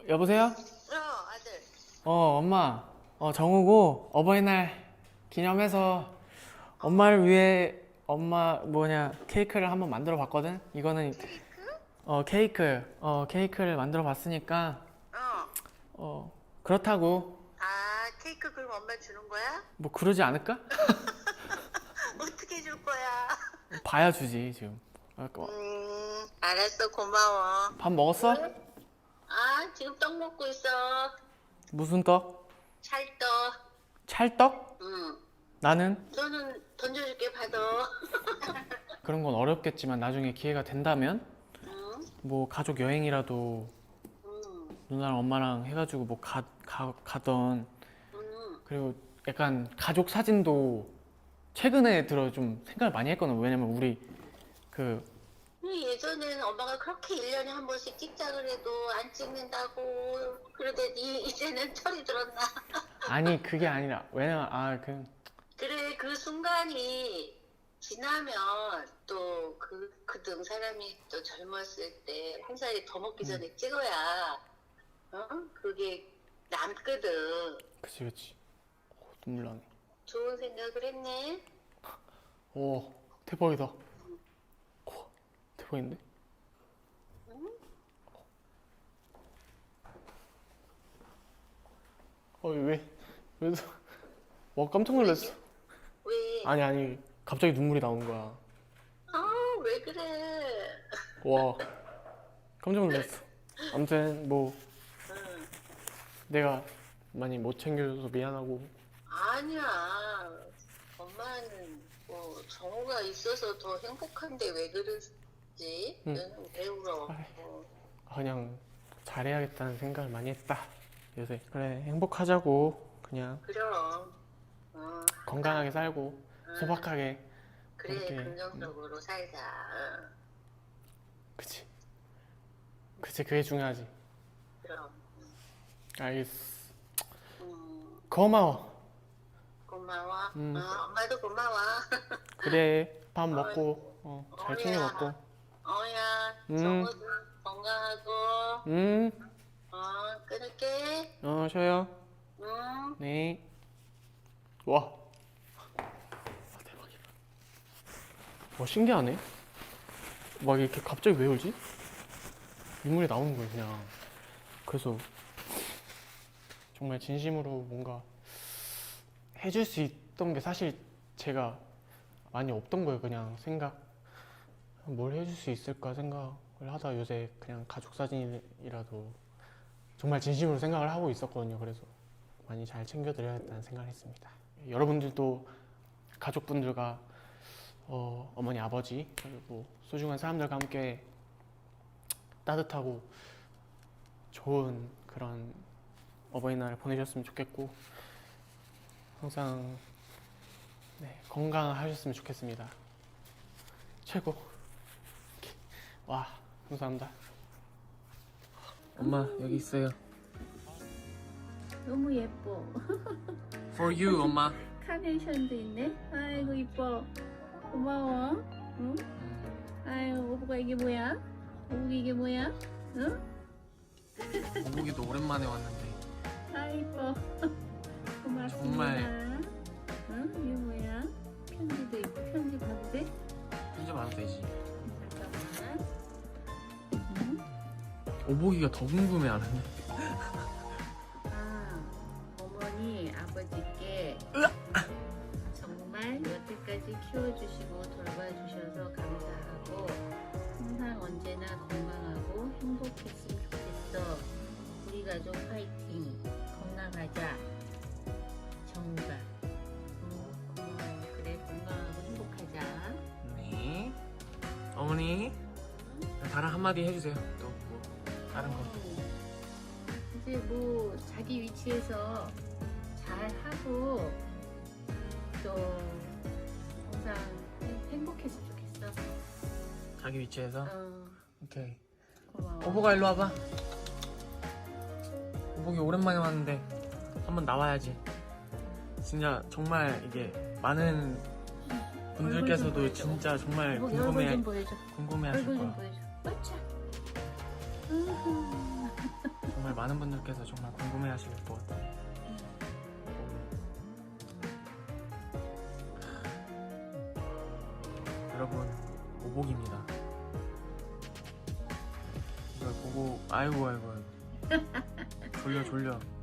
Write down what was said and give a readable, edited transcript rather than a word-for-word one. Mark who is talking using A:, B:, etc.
A: 여보세요?
B: 아들.
A: 엄마. 정우고 어버이날 기념해서 엄마를 위해 케이크를 한번 만들어 봤거든? 이거는 케이크를 만들어 봤으니까 그렇다고
B: 케이크 그럼 엄마 주는 거야?
A: 뭐 그러지 않을까?
B: 어떻게 줄 거야?
A: 봐야 주지 지금.
B: 알았어, 고마워.
A: 밥 먹었어?
B: 지금 떡 먹고 있어.
A: 무슨 떡?
B: 찰떡.
A: 찰떡?
B: 응.
A: 나는
B: 너는 던져줄게, 받아.
A: 그런 건 어렵겠지만 나중에 기회가 된다면
B: 응?
A: 뭐 가족 여행이라도
B: 응.
A: 누나랑 엄마랑 해가지고 뭐 가던.
B: 응.
A: 그리고 약간 가족 사진도 최근에 들어 좀 생각을 많이 했거든. 왜냐면 우리 그
B: 예전엔 엄마가 그렇게 1년에 한 번씩 찍자 그래도 안 찍는다고 그러더니 이제는 철이 들었나?
A: 아니 그게 아니라 왜냐면
B: 그래, 그 순간이 지나면 또 그등 사람이 또 젊었을 때 한 살이 더 먹기 전에 찍어야 그게 남거든.
A: 그치 눈물 나네.
B: 좋은 생각을 했네.
A: 오 대박이다. 대박인데?
B: 응?
A: 왜 와 깜짝 놀랐어.
B: 왜?
A: 아니 갑자기 눈물이 나오는 거야.
B: 왜 그래?
A: 와 깜짝 놀랐어. 아무튼 뭐
B: 응.
A: 내가 많이 못 챙겨줘서 미안하고.
B: 아니야. 엄마는 뭐 정우가 있어서 더 행복한데 왜 그러지?
A: 응.
B: 너는 왜 울어?
A: 그냥 잘해야겠다는 생각을 많이 했다 요새. 그래 행복하자고 그냥
B: 그럼.
A: 건강하게 살고 소박하게
B: 그래,
A: 이렇게.
B: 긍정적으로 살자.
A: 그치 그게 중요하지.
B: 그럼.
A: 알겠어.
B: 음,
A: 고마워.
B: 고마워. 엄마도 고마워.
A: 그래 밥 먹고 잘 챙겨
B: 어야.
A: 먹고.
B: 어야,
A: 음.
B: 정우도 건강하고.
A: 음.
B: 끊을게.
A: 쉬어요.
B: 응.
A: 네. 와 대박이다. 와 신기하네. 막 이렇게 갑자기 왜 울지? 눈물이 나오는 거예요 그냥. 그래서 정말 진심으로 뭔가 해줄 수 있던 게 사실 제가 많이 없던 거예요. 그냥 뭘 해줄 수 있을까 생각을 하다 요새 그냥 가족 사진이라도 정말 진심으로 생각을 하고 있었거든요. 그래서 많이 잘 챙겨드려야겠다는 생각을 했습니다. 여러분들도 가족분들과 어머니 아버지 그리고 소중한 사람들과 함께 따뜻하고 좋은 그런 어버이날을 보내셨으면 좋겠고 항상 건강하셨으면 좋겠습니다. 최고. 와 감사합니다. 엄마 여기 있어요.
C: 너무 예뻐.
A: For you 엄마.
C: 카네이션도 있네. 아이고 이뻐. 고마워. 응? 아유 오브가 이게 뭐야? 오브가 이게 뭐야? 응?
A: 오복이도 오랜만에 왔는데
C: 아 이뻐. 고맙습니다.
A: 정말.
C: 응? 이게 뭐야? 편지도 있고 편지 봐도 돼?
A: 혼자 봐도 되지.
C: 잠깐만. 응?
A: 오복이가 더 궁금해 하는데.
C: 어머니 아버지께 정말 여태까지 키워주시고 돌봐주셔서 감사하고 항상 언제나 건강하고 행복했으면 좋겠어. 우리 가족 파이팅. 건강하자. 정우가. 고마워. 그래 건강하고 행복하자.
A: 네. 어머니 다른 한마디 해주세요. 또 뭐 다른 거.
C: 이제 뭐 자기 위치에서 잘 하고 또 항상 행복했으면 좋겠어.
A: 자기 위치에서. 오케이.
C: 고마워.
A: 오복아 일로 와봐. 오복이 오랜만에 왔는데 한번 나와야지. 진짜 정말 이게 많은 분들께서도 진짜 정말
C: 얼굴 좀 보여줘.
A: 궁금해하실
C: 얼굴 좀
A: 거야.
C: 보여줘. 맞자.
A: 정말 정말 많은 분들께서 정말 궁금해하실 것 같아요. 여러분, 오복입니다. 이걸 보고 아이고 졸려